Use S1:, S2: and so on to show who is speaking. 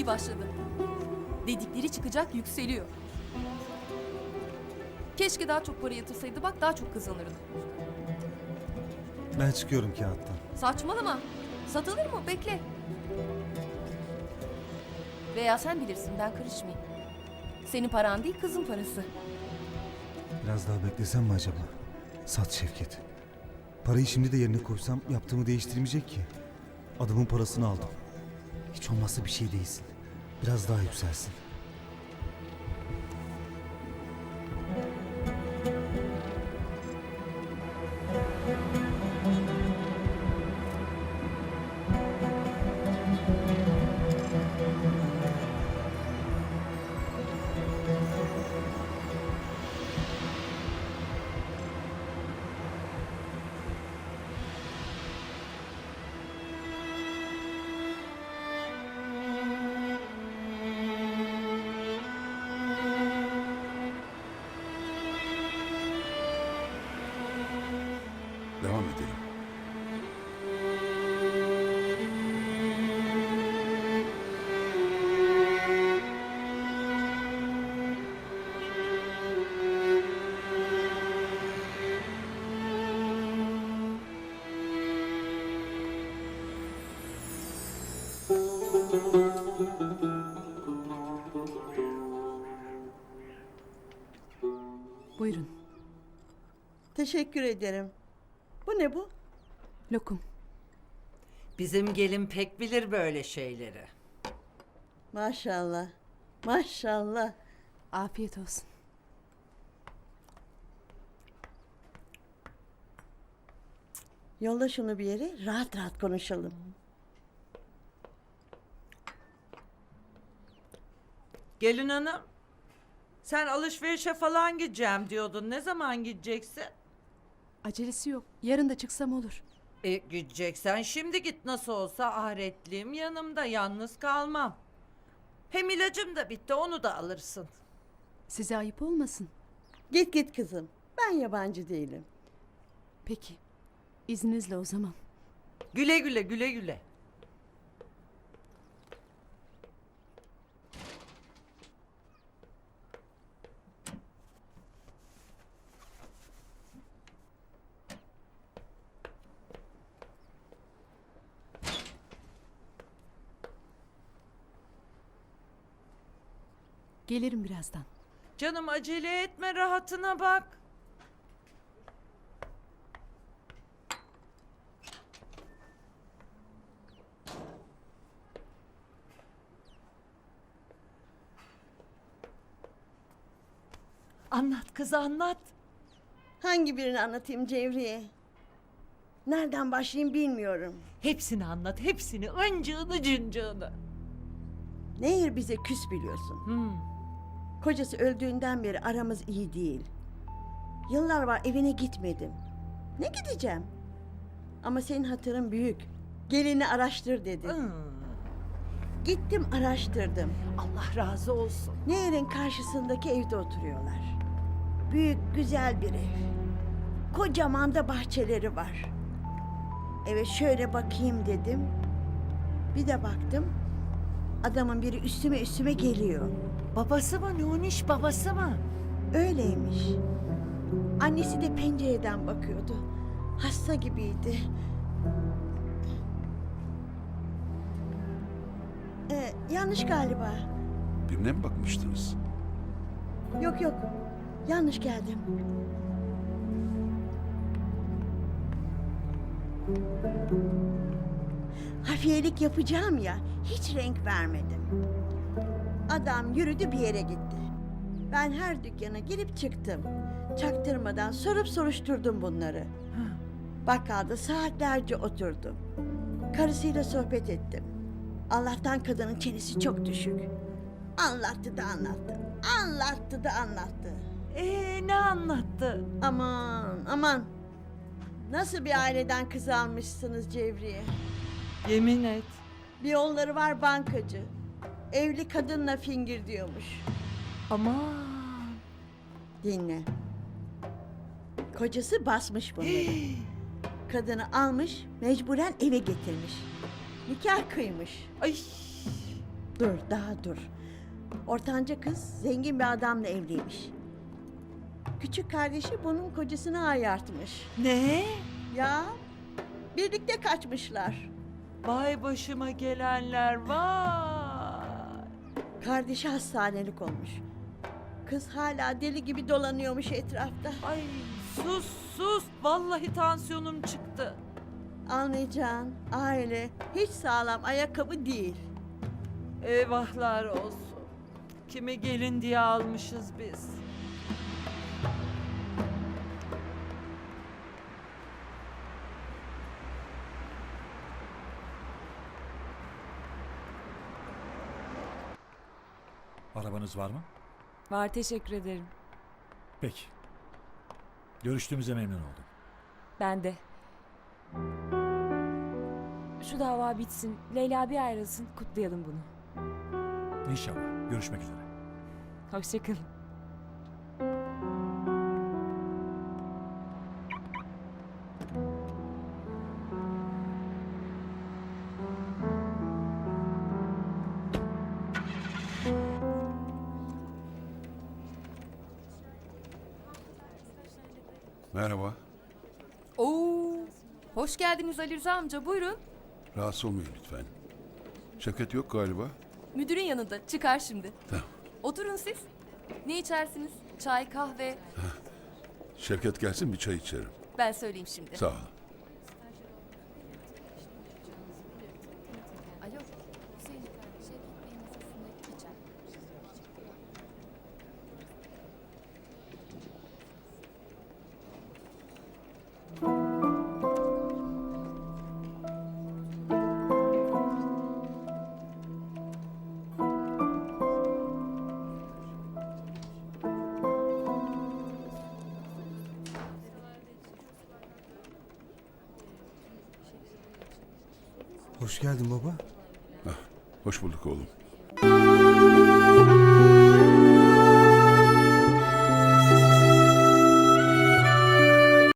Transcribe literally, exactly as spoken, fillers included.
S1: iyi başladı. Dedikleri çıkacak, yükseliyor. Keşke daha çok para yatırsaydı, bak daha çok kazanırdı.
S2: Ben çıkıyorum kağıttan.
S1: Saçmalama. Satılır mı? Bekle. Veya sen bilirsin, ben karışmayayım. Senin paran değil, kızın parası.
S2: Biraz daha beklesem mi acaba? Sat Şevket. Parayı şimdi de yerine koysam yaptığımı değiştirmeyecek ki. Adamın parasını aldım. Hiç olmazsa bir şey değilsin. Biraz daha yükselsin.
S3: Devam edelim.
S4: Buyurun.
S5: Teşekkür ederim. Bu ne bu?
S4: Lokum.
S6: Bizim gelin pek bilir böyle şeyleri.
S5: Maşallah. Maşallah.
S4: Afiyet olsun.
S5: Yolla şunu bir yere, rahat rahat konuşalım.
S6: Gelin hanım, sen alışverişe falan gideceğim diyordun. Ne zaman gideceksin?
S4: Acelesi yok. Yarın da çıksam olur.
S6: E gideceksen şimdi git, nasıl olsa ahiretliğim yanımda, yalnız kalmam. Hem ilacım da bitti, onu da alırsın.
S4: Size ayıp olmasın.
S5: Git git kızım. Ben yabancı değilim.
S4: Peki. İzninizle o zaman.
S6: Güle güle, güle güle.
S4: Gelirim birazdan.
S6: Canım acele etme, rahatına bak. Anlat kız, anlat.
S5: Hangi birini anlatayım Cevriye? Nereden başlayayım bilmiyorum.
S6: Hepsini anlat, hepsini. Öncığını cıncığını.
S5: Nehir bize küs biliyorsun.
S6: Hmm.
S5: Kocası öldüğünden beri aramız iyi değil. Yıllar var evine gitmedim. Ne gideceğim? Ama senin hatırın büyük. Gelini araştır dedi.
S6: Hmm.
S5: Gittim araştırdım.
S6: Allah razı olsun.
S5: Nehir'in karşısındaki evde oturuyorlar. Büyük güzel bir ev. Kocaman da bahçeleri var. Eve şöyle bakayım dedim. Bir de baktım. Adamın biri üstüme üstüme geliyor.
S6: Babası mı Nuniş, babası mı?
S5: Öyleymiş. Annesi de pencereden bakıyordu. Hasta gibiydi. Ee, yanlış galiba.
S3: Birine mi bakmıştınız?
S5: Yok yok. Yanlış geldim. Hafiyelik yapacağım ya, hiç renk vermedim. Adam yürüdü bir yere gitti. Ben her dükkana girip çıktım. Çaktırmadan sorup soruşturdum bunları. Bakkalda saatlerce oturdum. Karısıyla sohbet ettim. Allah'tan kadının çenesi çok düşük. Anlattı da anlattı. Anlattı da anlattı.
S6: Ee, ne anlattı?
S5: Aman aman. Nasıl bir aileden kız almışsınız Cevriye?
S6: Yemin et.
S5: Bir onları var bankacı. Evli kadınla fingir diyormuş.
S6: Aman.
S5: Dinle. Kocası basmış bunları. Kadını almış, mecburen eve getirmiş. Nikah kıymış.
S6: Ay.
S5: Dur, daha dur. Ortanca kız zengin bir adamla evliymiş. Küçük kardeşi bunun kocasını ayartmış.
S6: Ne?
S5: Ya, birlikte kaçmışlar.
S6: Vay başıma gelenler vay.
S5: Kardeşi hastanelik olmuş. Kız hala deli gibi dolanıyormuş etrafta.
S6: Ay sus sus. Vallahi tansiyonum çıktı.
S5: Anlayacağın aile hiç sağlam ayakkabı değil.
S6: Eyvahlar olsun. Kimi gelin diye almışız biz.
S7: Arabanız var mı?
S8: Var, teşekkür ederim.
S7: Peki. Görüştüğümüze memnun oldum.
S8: Ben de. Şu dava bitsin. Leyla bir ayrılsın. Kutlayalım bunu.
S7: İnşallah. Görüşmek üzere.
S8: Hoşçakalın.
S3: Merhaba.
S1: Oo, hoş geldiniz Ali Rıza amca. Buyurun.
S3: Rahatsız olmayın lütfen. Şevket yok galiba.
S1: Müdürün yanında. Çıkar şimdi.
S3: Tamam.
S1: Oturun siz. Ne içersiniz? Çay, kahve.
S3: Şevket gelsin bir çay içerim.
S1: Ben söyleyeyim şimdi.
S3: Sağ ol.
S1: Alo. Hüseyin efendi, Şevket Bey'in masasında içer.
S2: Hoş geldin baba.
S3: Hoş bulduk oğlum.